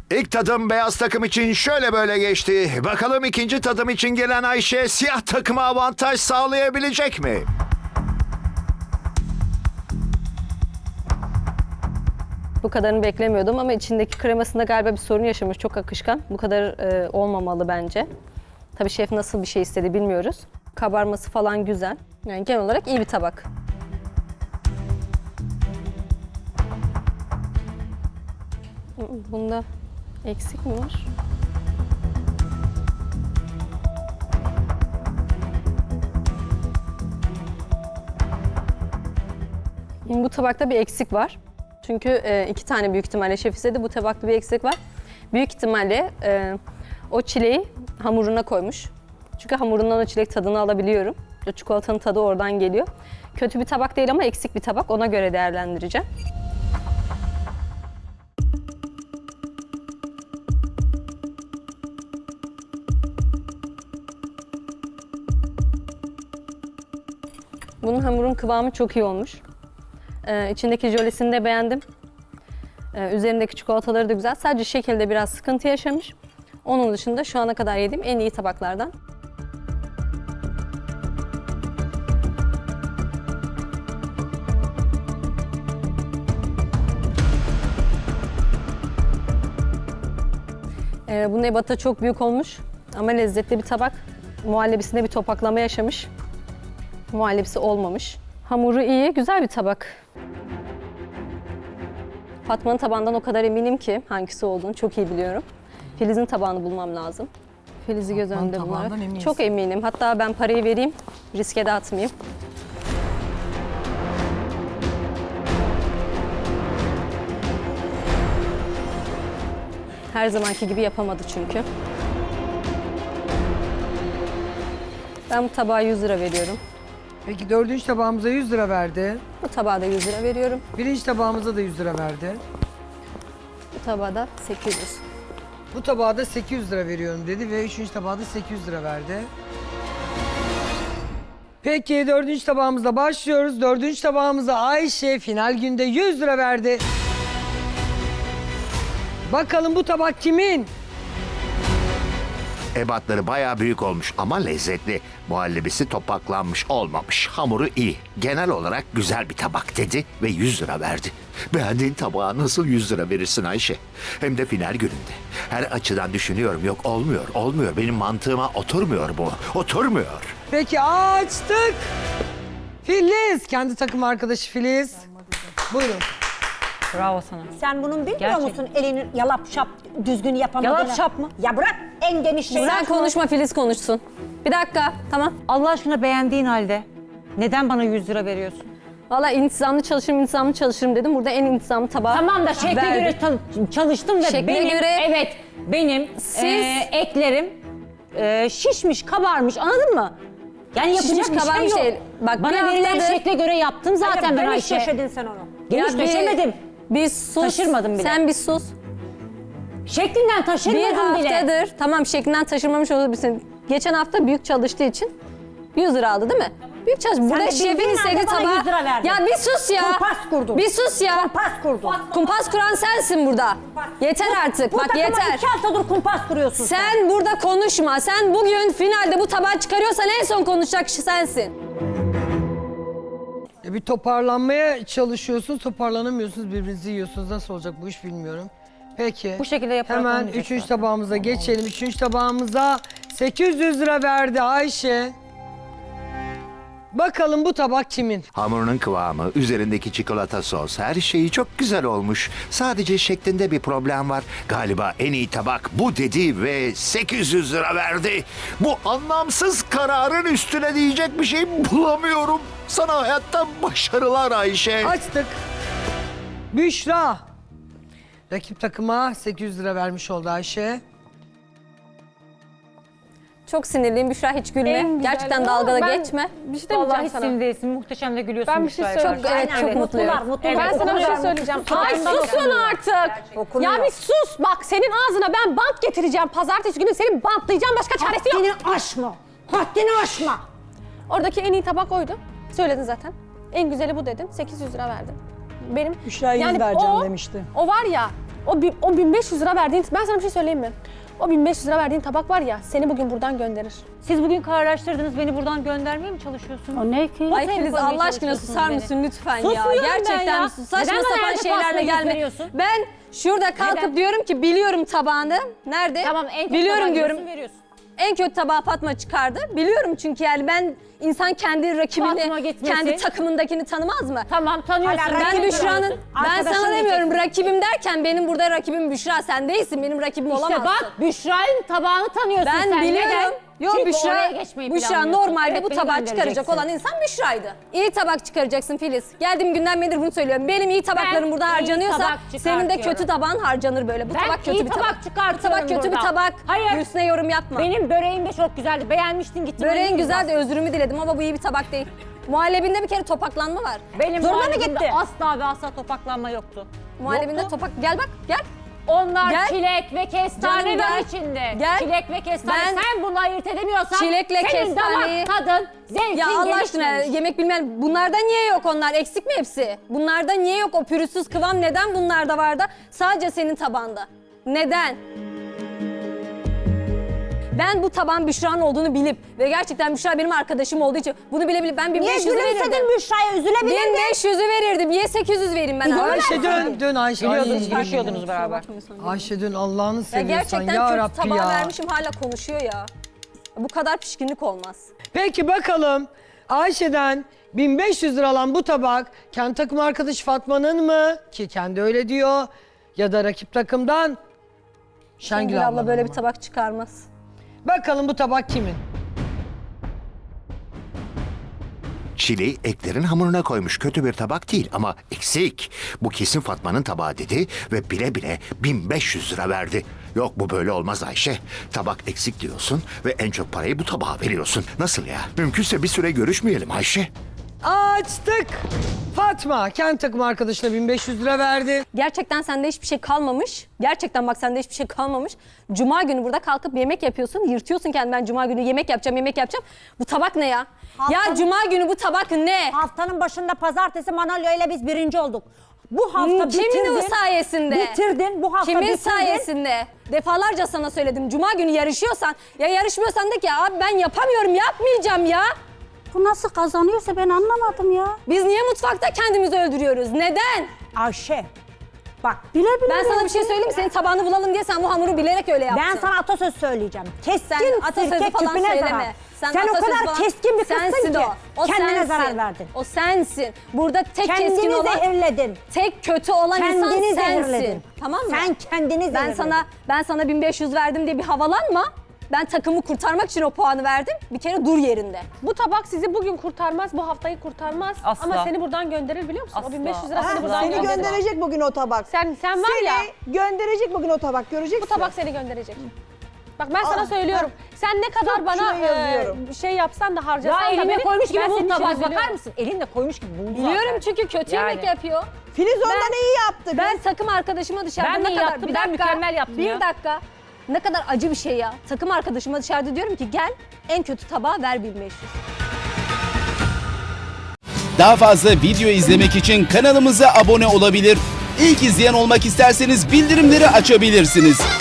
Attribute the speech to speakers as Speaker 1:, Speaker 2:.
Speaker 1: İlk tadım beyaz takım için şöyle böyle geçti. Bakalım ikinci tadım için gelen Ayşe siyah takıma avantaj sağlayabilecek mi?
Speaker 2: Bu kadarını beklemiyordum ama içindeki kremasında galiba bir sorun yaşamış. Çok akışkan. Bu kadar olmamalı bence. Tabii şef nasıl bir şey istedi bilmiyoruz. Kabarması falan güzel. Yani genel olarak iyi bir tabak. Bunda eksik mi var? Bu tabakta bir eksik var. Çünkü 2 tane büyük ihtimalle şef istedi. Bu tabakta bir eksik var. Büyük ihtimalle o çileği hamuruna koymuş. Çünkü hamurundan o çilek tadını alabiliyorum. O çikolatanın tadı oradan geliyor. Kötü bir tabak değil ama eksik bir tabak. Ona göre değerlendireceğim. Bunun hamurun kıvamı çok iyi olmuş. İçindeki jölesini de beğendim. Üzerindeki çikolataları da güzel. Sadece şekilde biraz sıkıntı yaşamış. Onun dışında şu ana kadar yediğim en iyi tabaklardan. Bunun ebatı çok büyük olmuş ama lezzetli bir tabak. Muhallebisinde bir topaklama yaşamış. Muhallebisi olmamış. Hamuru iyi, güzel bir tabak. Fatma'nın tabağından o kadar eminim ki hangisi olduğunu çok iyi biliyorum. Filiz'in tabağını bulmam lazım. Filiz'i göz
Speaker 3: Fatma'nın
Speaker 2: önünde
Speaker 3: tabağından
Speaker 2: bularak.
Speaker 3: eminsin.
Speaker 2: Çok eminim. Hatta ben parayı vereyim, riske de atmayayım. Her zamanki gibi yapamadı çünkü. Ben bu tabağa 100 lira veriyorum.
Speaker 3: Peki dördüncü tabağımıza 100 lira verdi.
Speaker 2: Bu tabağa da 100 lira veriyorum.
Speaker 3: Birinci tabağımıza da 100 lira verdi.
Speaker 2: Bu tabağa da 800.
Speaker 3: Bu tabağa da 800 lira veriyorum dedi ve üçüncü tabağa da 800 lira verdi. Peki dördüncü tabağımızla başlıyoruz. Dördüncü tabağımıza Ayşe final günde 100 lira verdi. Bakalım bu tabak kimin?
Speaker 1: Ebatları bayağı büyük olmuş ama lezzetli. Muhallebisi topaklanmış olmamış. Hamuru iyi. Genel olarak güzel bir tabak dedi ve 100 lira verdi. Beğendiğin tabağa nasıl 100 lira verirsin Ayşe? Hem de final gününde. Her açıdan düşünüyorum. Yok olmuyor. Benim mantığıma oturmuyor bu. Oturmuyor.
Speaker 3: Peki açtık. Filiz, kendi takım arkadaşı Filiz. Buyurun.
Speaker 4: Bravo sana.
Speaker 5: Sen bunun bilmiyor
Speaker 4: Gerçekten.
Speaker 5: musun? Elini yalap şap düzgün yapamadığını.
Speaker 4: Yalap şap mı?
Speaker 5: Ya bırak en geniş şey.
Speaker 2: Sen konuşma, Filiz konuşsun. Bir dakika, tamam.
Speaker 4: Allah aşkına beğendiğin halde neden bana 100 lira veriyorsun?
Speaker 2: Valla intizamlı çalışırım dedim. Burada en intizamlı tabağı
Speaker 4: Tamam da şekle
Speaker 2: verdim.
Speaker 4: göre çalıştım ve
Speaker 2: Şekle
Speaker 4: benim
Speaker 2: göre-
Speaker 4: benim eklerim şişmiş, kabarmış, anladın mı? Yani yapacak
Speaker 2: Şişmiş,
Speaker 4: bir şey
Speaker 2: kabarmış
Speaker 4: yok.
Speaker 2: değil. Bak,
Speaker 4: Bana
Speaker 2: bir
Speaker 4: verilen
Speaker 2: haftadır-
Speaker 4: şekle göre yaptım zaten ben
Speaker 5: Geniş
Speaker 4: Ayşe.
Speaker 5: yaşadın sen onu.
Speaker 4: Geniş
Speaker 2: Ya
Speaker 4: döşemedim.
Speaker 2: Bir sus.
Speaker 4: Taşırmadım bile.
Speaker 2: Sen bir sus.
Speaker 4: Şeklinden
Speaker 2: Bir
Speaker 4: taşırmadım bile.
Speaker 2: haftadır, tamam şeklinden taşırmamış olabilirsin. Geçen hafta büyük çalıştığı için 100 lira aldı değil mi? Büyük çalış. Burada
Speaker 5: de
Speaker 2: şefin
Speaker 5: bildiğin
Speaker 2: istediği
Speaker 5: halde bana
Speaker 2: tabağı...
Speaker 5: 100 lira verdin.
Speaker 2: Ya bir sus ya.
Speaker 5: Kumpas kurdun.
Speaker 2: Bir sus ya.
Speaker 5: Kumpas kurdun.
Speaker 2: Kumpas kuran sensin burada. Yeter artık.
Speaker 5: Bu
Speaker 2: Bak
Speaker 5: takıma
Speaker 2: yeter.
Speaker 5: 2 haftadır kumpas kuruyorsun sen.
Speaker 2: Sen burada konuşma. Sen bugün finalde bu tabağı çıkarıyorsan en son konuşacak kişi sensin.
Speaker 3: Bir toparlanmaya çalışıyorsunuz, toparlanamıyorsunuz, birbirinizi yiyorsunuz. Nasıl olacak bu iş bilmiyorum. Peki.
Speaker 4: Bu şekilde yaparak
Speaker 3: hemen
Speaker 4: olmayacak
Speaker 3: üçüncü
Speaker 4: zaten.
Speaker 3: tabağımıza geçelim. Üçüncü tabağımıza 800 lira verdi Ayşe. Bakalım bu tabak kimin?
Speaker 1: Hamurunun kıvamı, üzerindeki çikolata sos, her şeyi çok güzel olmuş. Sadece şeklinde bir problem var. Galiba en iyi tabak bu dedi ve 800 lira verdi. Bu anlamsız kararın üstüne diyecek bir şey bulamıyorum. Sana hayatta başarılar Ayşe.
Speaker 3: Açtık. Büşra. Rakip takıma 800 lira vermiş oldu Ayşe.
Speaker 2: Çok sinirliyim. Büşra hiç gülme.
Speaker 6: En güzel-
Speaker 2: Gerçekten
Speaker 6: Ama
Speaker 2: dalgada
Speaker 6: ben
Speaker 2: geçme.
Speaker 6: Bir şey demeyeceğim
Speaker 4: Vallahi
Speaker 6: sana.
Speaker 4: sinir değilsin, muhteşem de gülüyorsun.
Speaker 6: Ben bir şey
Speaker 4: Büşra'ya
Speaker 6: söyleyeyim.
Speaker 4: karşı.
Speaker 2: Evet, çok mutluyum.
Speaker 5: Mutlular.
Speaker 6: Ben sana bir şey
Speaker 5: Okunuyor.
Speaker 6: söyleyeceğim.
Speaker 5: Ay,
Speaker 6: Ay susun artık.
Speaker 5: Okunuyor.
Speaker 6: Ya bir sus. Bak senin ağzına ben bant getireceğim. Pazartesi günü seni bantlayacağım. Başka çaresi yok.
Speaker 5: Haddini aşma. Haddini aşma.
Speaker 6: Oradaki en iyi tabak oydu. Söyledin zaten. En güzeli bu dedin. 800 lira verdin. Benim
Speaker 5: Büşra'ya 100 vereceğim demişti.
Speaker 6: O var ya, O 1500 lira verdiğin, ben sana bir şey söyleyeyim mi? O 1500 lira verdiğin tabak var ya, seni bugün buradan gönderir.
Speaker 4: Siz bugün kararlaştırdınız, beni buradan göndermeye mi çalışıyorsunuz?
Speaker 5: O ne ki?
Speaker 2: Ay
Speaker 4: Nasıl
Speaker 2: Filiz
Speaker 4: koymaya
Speaker 2: Allah aşkına
Speaker 4: çalışıyorsunuz
Speaker 2: susar
Speaker 4: beni?
Speaker 2: mısın lütfen ya?
Speaker 4: Susmuyorum ben
Speaker 2: Gerçekten
Speaker 4: ya.
Speaker 2: saçma
Speaker 4: Neden bana
Speaker 2: sapan
Speaker 4: yerde
Speaker 2: şeylerle
Speaker 4: pastayı
Speaker 2: gelme.
Speaker 4: gösteriyorsun?
Speaker 2: Ben şurada kalkıp
Speaker 4: Neden?
Speaker 2: diyorum ki biliyorum tabağını. Nerede?
Speaker 4: Tamam, en kötü
Speaker 2: biliyorum
Speaker 4: tabağı
Speaker 2: diyorum.
Speaker 4: diyorsun, veriyorsun.
Speaker 2: En kötü tabağı Fatma çıkardı. Biliyorum çünkü yani ben insan kendi rakibini,
Speaker 4: Fatma gitmesin.
Speaker 2: kendi takımındakini tanımaz mı?
Speaker 4: Tamam, tanıyorsun.
Speaker 5: Hala
Speaker 2: Ben
Speaker 5: rakip
Speaker 2: Büşra'nın,
Speaker 5: diyorsun.
Speaker 2: ben
Speaker 5: Arkadaşın
Speaker 2: sana demiyorum
Speaker 5: diyeceksin.
Speaker 2: rakibim derken benim burada rakibim Büşra, sen değilsin, benim rakibim
Speaker 4: İşte
Speaker 2: olamazsın.
Speaker 4: bak, Büşra'nın tabağını tanıyorsun
Speaker 2: Ben
Speaker 4: sen.
Speaker 2: biliyorum.
Speaker 4: Neden?
Speaker 2: Yok
Speaker 4: Çünkü
Speaker 2: Büşra,
Speaker 4: oraya geçmeyi
Speaker 2: Büşra
Speaker 4: planlıyorsun.
Speaker 2: normalde
Speaker 4: Evet,
Speaker 2: bu
Speaker 4: beni
Speaker 2: tabağı çıkaracak
Speaker 4: göndereceksin.
Speaker 2: olan insan Büşra'ydı. İyi tabak çıkaracaksın Filiz. Geldiğim günden beridir bunu söylüyorum. Benim iyi tabaklarım burada
Speaker 4: iyi
Speaker 2: harcanıyorsa
Speaker 4: tabak
Speaker 2: senin de kötü
Speaker 4: çıkartıyorum.
Speaker 2: tabağın harcanır böyle. Bu
Speaker 4: Ben
Speaker 2: tabak kötü
Speaker 4: iyi
Speaker 2: bir
Speaker 4: tabak
Speaker 2: tabak.
Speaker 4: çıkartıyorum
Speaker 2: Bu tabak kötü bir
Speaker 4: burada.
Speaker 2: tabak.
Speaker 4: Hayır.
Speaker 2: Üstüne yorum yapma.
Speaker 4: Benim böreğim de çok güzeldi. Beğenmiştin, gittin.
Speaker 2: Böreğin
Speaker 4: aynı
Speaker 2: güzel
Speaker 4: yüzden.
Speaker 2: de özrümü diledim ama bu iyi bir tabak değil. Muhallebinde bir kere topaklanma var.
Speaker 4: Benim
Speaker 2: Zoruna mı
Speaker 4: muhallebimde
Speaker 2: gitti?
Speaker 4: asla ve asla topaklanma yoktu.
Speaker 2: Muhallebinde
Speaker 4: Yoktu.
Speaker 2: topak... Gel bak gel.
Speaker 4: Onlar
Speaker 2: Gel.
Speaker 4: çilek ve kestane
Speaker 2: Canım
Speaker 4: var
Speaker 2: gel.
Speaker 4: içinde.
Speaker 2: Gel.
Speaker 4: Çilek ve kestane.
Speaker 2: Ben-
Speaker 4: Sen bunu ayırt edemiyorsan
Speaker 2: Çilekle
Speaker 4: senin
Speaker 2: kestaneyi-
Speaker 4: damak tadın, zevkin
Speaker 2: Ya Allah aşkına
Speaker 4: gelişmemiş.
Speaker 2: yemek bilmeyen bunlarda niye yok onlar? Eksik mi hepsi? Bunlarda niye yok o pürüzsüz kıvam? Neden bunlarda var da sadece senin tabanda? Neden? Ben bu taban Büşra'nın olduğunu bilip ve gerçekten Büşra benim arkadaşım olduğu için bunu bile ben
Speaker 5: Niye
Speaker 2: 1500'ü verirdim.
Speaker 5: gülümsedin Büşra'ya? Üzülebilirdin.
Speaker 2: 1500'ü verirdim. Niye 800 vereyim ben?
Speaker 3: Ayşe dön Ayşe.
Speaker 4: Biliyordunuz,
Speaker 3: Ay,
Speaker 4: görüşüyordunuz beraber.
Speaker 3: Ayşe dön Allah'ını
Speaker 2: Ya
Speaker 3: seviyorsan
Speaker 2: gerçekten
Speaker 3: ya
Speaker 2: kötü
Speaker 3: Rabbi
Speaker 2: tabağı
Speaker 3: ya.
Speaker 2: vermişim hala konuşuyor ya. Bu kadar pişkinlik olmaz.
Speaker 3: Peki bakalım Ayşe'den 1500 lira alan bu tabak kendi takım arkadaşı Fatma'nın mı? Ki kendi öyle diyor. Ya da rakip takımdan Şengül
Speaker 2: Şengül abla
Speaker 3: ablanın
Speaker 2: böyle
Speaker 3: mı?
Speaker 2: bir tabak çıkarmaz.
Speaker 3: Bakalım bu tabak kimin?
Speaker 1: Çileği eklerin hamuruna koymuş. Kötü bir tabak değil ama eksik. Bu kesin Fatma'nın tabağı dedi ve bile bile 1500 lira verdi. Yok bu böyle olmaz Ayşe. Tabak eksik diyorsun ve en çok parayı bu tabağa veriyorsun. Nasıl ya? Mümkünse bir süre görüşmeyelim Ayşe.
Speaker 3: Açtık. Fatma kendi takım arkadaşına 1500 lira verdi.
Speaker 2: Gerçekten sende hiçbir şey kalmamış. Gerçekten bak sende hiçbir şey kalmamış. Cuma günü burada kalkıp yemek yapıyorsun. Yırtıyorsun kendini, ben cuma günü yemek yapacağım. Bu tabak ne ya? Ya
Speaker 5: Haftanın-
Speaker 2: cuma günü bu tabak ne?
Speaker 5: Haftanın başında pazartesi Manolya ile biz birinci olduk. Bu hafta
Speaker 2: Kimin
Speaker 5: bitirdin.
Speaker 2: o sayesinde?
Speaker 5: Bitirdin. Bu hafta
Speaker 2: Kimin
Speaker 5: bitirdin.
Speaker 2: sayesinde? Defalarca sana söyledim. Cuma günü yarışıyorsan, ya yarışmıyorsan de ki abi ben yapamıyorum, yapmayacağım ya.
Speaker 5: Bu nasıl kazanıyorsa ben anlamadım ya.
Speaker 2: Biz niye mutfakta kendimizi öldürüyoruz? Neden?
Speaker 5: Ayşe. Bak bile bile.
Speaker 2: Ben sana bir şey söyleyeyim mi? Senin tabağını bulalım diye sen bu hamuru bilerek öyle yaptın.
Speaker 5: Ben sana atasöz söyleyeceğim. Keskin
Speaker 2: Sen atasözü
Speaker 5: sirke
Speaker 2: falan
Speaker 5: küpüne
Speaker 2: söyleme.
Speaker 5: zarar. Sen o
Speaker 2: atasözü
Speaker 5: kadar
Speaker 2: falan-
Speaker 5: keskin bir kızsın
Speaker 2: sensin
Speaker 5: ki.
Speaker 2: o.
Speaker 5: Kendine
Speaker 2: sensin.
Speaker 5: zarar verdin.
Speaker 2: O sensin. Burada tek keskin
Speaker 5: Kendini
Speaker 2: olan,
Speaker 5: zehirledin.
Speaker 2: tek kötü olan insan
Speaker 5: Kendini
Speaker 2: sensin.
Speaker 5: zehirledin.
Speaker 2: Tamam mı?
Speaker 5: Sen kendini
Speaker 2: ben
Speaker 5: zehirledin.
Speaker 2: sana 1500 verdim diye bir havalanma. Ben takımı kurtarmak için o puanı verdim. Bir kere dur yerinde.
Speaker 6: Bu tabak sizi bugün kurtarmaz, bu haftayı kurtarmaz.
Speaker 4: Asla.
Speaker 6: Ama seni buradan gönderir biliyor musun?
Speaker 4: Asla.
Speaker 6: O 1500 lira
Speaker 4: Asla.
Speaker 6: seni buradan
Speaker 7: Seni
Speaker 6: gönderir.
Speaker 7: gönderecek bugün o tabak.
Speaker 6: Sen var ya,
Speaker 7: Seni gönderecek bugün o tabak, göreceksin.
Speaker 6: bu tabak seni gönderecek. Bak ben sana söylüyorum. Sen ne kadar
Speaker 7: Çok
Speaker 6: bana
Speaker 7: şuraya yazıyorum.
Speaker 6: şey yapsan da harcasan
Speaker 4: Ya
Speaker 6: da
Speaker 4: eline
Speaker 6: beni,
Speaker 4: koymuş gibi
Speaker 6: ben senin
Speaker 4: buldu
Speaker 6: için
Speaker 4: tabak,
Speaker 6: üzülüyorum.
Speaker 4: bakar mısın? Elinle koymuş gibi buldu
Speaker 2: Biliyorum
Speaker 4: zaten.
Speaker 2: çünkü kötü
Speaker 4: Yani.
Speaker 2: yemek yapıyor.
Speaker 7: Filiz ondan iyi yaptı.
Speaker 2: Ben takım arkadaşıma dışarıda
Speaker 4: Ben
Speaker 2: ne
Speaker 4: de
Speaker 2: kadar...
Speaker 4: yaptım,
Speaker 2: bir
Speaker 4: ben
Speaker 2: dakika,
Speaker 4: mükemmel yaptım
Speaker 2: Bir
Speaker 4: ya.
Speaker 2: dakika. Ne kadar acı bir şey ya. Takım arkadaşıma dışarıda diyorum ki gel en kötü tabağı ver 1500.
Speaker 8: Daha fazla video izlemek için kanalımıza abone olabilir. İlk izleyen olmak isterseniz bildirimleri açabilirsiniz.